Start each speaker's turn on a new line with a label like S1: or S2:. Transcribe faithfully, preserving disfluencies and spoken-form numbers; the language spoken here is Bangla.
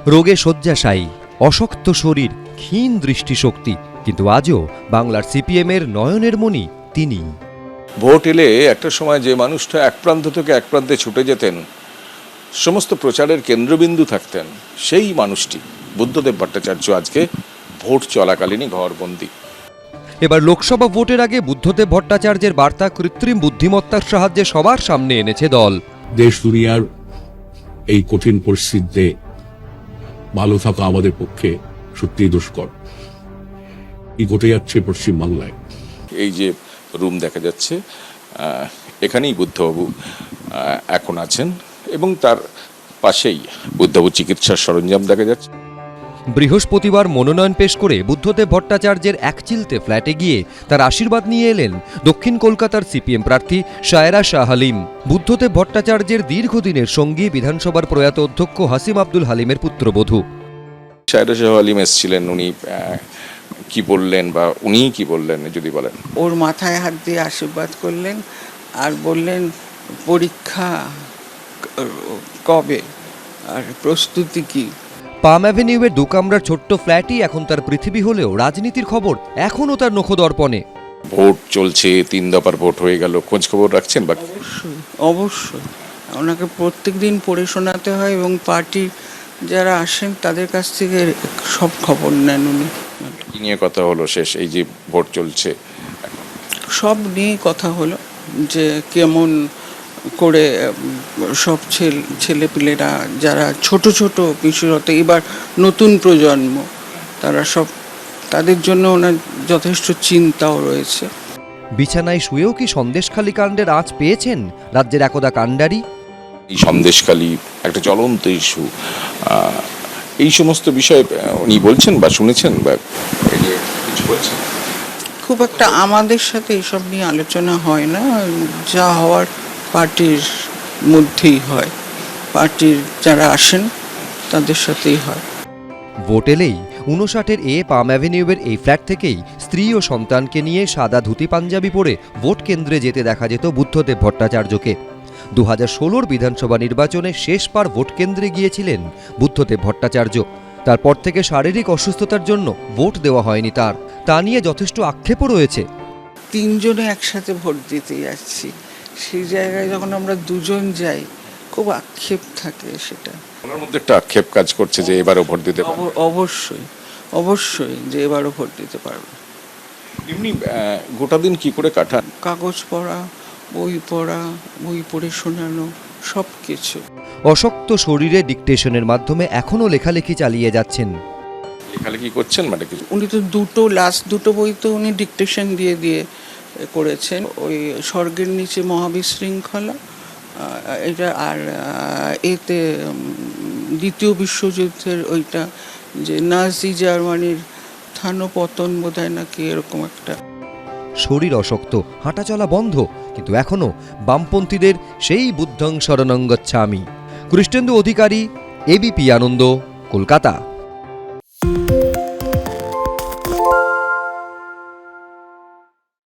S1: রোগে শয্যাশায়ী, অশক্ত শরীর, ক্ষীণ দৃষ্টিশক্তি, কিন্তু আজও বাংলার সিপিএমের নয়নের মণি তিনি।
S2: ভোট এলে একটা সময় যে মানুষটা এক প্রান্ত থেকে এক প্রান্তে ছুটে যেতেন, সমস্ত প্রচারের কেন্দ্রবিন্দু থাকতেন, সেই মানুষটি বুদ্ধদেব ভট্টাচার্য আজকে ভোট চলাকালীনই ঘরবন্দি।
S1: এবার লোকসভা ভোটের আগে বুদ্ধদেব ভট্টাচার্যের বার্তা কৃত্রিম বুদ্ধিমত্তার সাহায্যে সবার সামনে এনেছে দল।
S3: দেশ দুনিয়ার এই কঠিন পরিস্থিতিতে ভালো থাকা আমাদের পক্ষে সত্যিই দুষ্কর। কি ঘটে যাচ্ছে পশ্চিমবাংলায়?
S2: এই যে রুম দেখা যাচ্ছে, এখানেই বুদ্ধবাবু এখন আছেন এবং তার পাশেই বুদ্ধবাবু চিকিৎসার সরঞ্জাম দেখা যাচ্ছে।
S1: বৃহস্পতিবার মনোনয়ন পেশ করে বুদ্ধদেব ভট্টাচার্যের একচিলতে ফ্ল্যাটে গিয়ে তার আশীর্বাদ নিয়ে এলেন দক্ষিণ কলকাতার সিপিএম প্রার্থী শায়রা শাহ হালিম। বুদ্ধদেব ভট্টাচার্যের দীর্ঘদিনের সঙ্গী বিধানসভার প্রয়াত অধ্যক্ষ হাসিম আব্দুল হালিমের পুত্রবধূ।
S2: শায়রা শাহ হালিম এসেছিলেন, উনি কি বললেন বা উনি কি বললেন যদি বলেন?
S4: ওর মাথায় হাত দিয়ে আশীর্বাদ করলেন আর বললেন পরীক্ষা কবে আর প্রস্তুতি কি।
S1: পাম অ্যাভিনিউয়ের দু কামরার ছোট্ট ফ্ল্যাটই এখন তার পৃথিবী হলেও রাজনীতির খবর এখনও তার নখদর্পণে।
S2: ভোট চলছে, তিন দফার ভোট হয়ে গেল, খোঁজ খবর রাখছেন? বা
S4: অবশ্যই অবশ্যই ওনাকে প্রত্যেক দিন পড়ে শোনাতে হয় এবং পার্টির যারা আসেন তাদের কাছ থেকে সব খবর নেন উনি।
S2: কি নিয়ে কথা হলো শেষ, এই যে ভোট চলছে?
S4: সব নিয়ে কথা হলো যে কেমন করে সব ছেলেপিলেরা যারা ছোট ছোট বিশেষত এবার নতুন প্রজন্ম, তারা সব তাদের জন্য ওনার যথেষ্ট চিন্তাও রয়েছে।
S1: বিছানায় শুয়েও কি সন্দেশখালী কাণ্ডের আঁচ পেয়েছেন রাজ্যের একদা কাণ্ডারি?
S2: এই সন্দেশখালী একটা জ্বলন্ত ইস্যু, এই সমস্ত বিষয়ে উনি বলছেন বা শুনেছেন বা কিছু বলছেন?
S4: খুব একটা আমাদের সাথে এসব নিয়ে আলোচনা হয় না, যা হওয়ার পার্টির মধ্যেই হয়, পার্টির যারা আসেন তাদের সাথেই হয়।
S1: ভোট এলেই উনষাটের এ পাম অ্যাভিনিউয়ের এই ফ্ল্যাট থেকেই স্ত্রী ও সন্তানকে নিয়ে সাদা ধুতি পাঞ্জাবি পরে ভোট কেন্দ্রে যেতে দেখা যেত বুদ্ধদেব ভট্টাচার্যকে। দু হাজার ষোলোর বিধানসভা নির্বাচনে শেষবার ভোট কেন্দ্রে গিয়েছিলেন বুদ্ধদেব ভট্টাচার্য। তারপর থেকে শারীরিক অসুস্থতার জন্য ভোট দেওয়া হয়নি তার, তা নিয়ে যথেষ্ট আক্ষেপও রয়েছে।
S4: তিনজনে একসাথে ভোট দিতে যাচ্ছি, সেই জায়গায় যখন আমরা দুজন যাই খুব আক্ষেপ থাকে। সেটা
S2: ওনার মধ্যে একটা আক্ষেপ কাজ করছে যে এবারও ভোট দিতে পারবে।
S4: অবশ্যই অবশ্যই যে এবারও ভোট দিতে পারবে।
S2: এমনি গোটা দিন কি করে কাটান?
S4: কাগজ পড়া, বই পড়া, বই পড়ে শোনানো, সব কিছু।
S1: অশক্ত শরীরে ডিকটেশনের মাধ্যমে এখনও লেখালেখি চালিয়ে যাচ্ছেন।
S2: লেখালেখি করছেন মানে কিছু?
S4: উনি তো দুটো লাস্ট দুটো বই তো উনি ডিকটেশন দিয়ে দিয়ে করেছেন। ওই স্বর্গের নিচে মহাবিশৃঙ্খলা এটা, আর এতে দ্বিতীয় বিশ্বযুদ্ধের ওইটা যে নাজি জার্মানির স্থানপতন বোধহয় নাকি এরকম একটা।
S1: শরীর অশক্ত, হাঁটাচলা বন্ধ, কিন্তু এখনও বামপন্থীদের সেই বুদ্ধং শরণং গচ্ছামি। কৃষ্ণেন্দু অধিকারী, এবিপি আনন্দ, কলকাতা।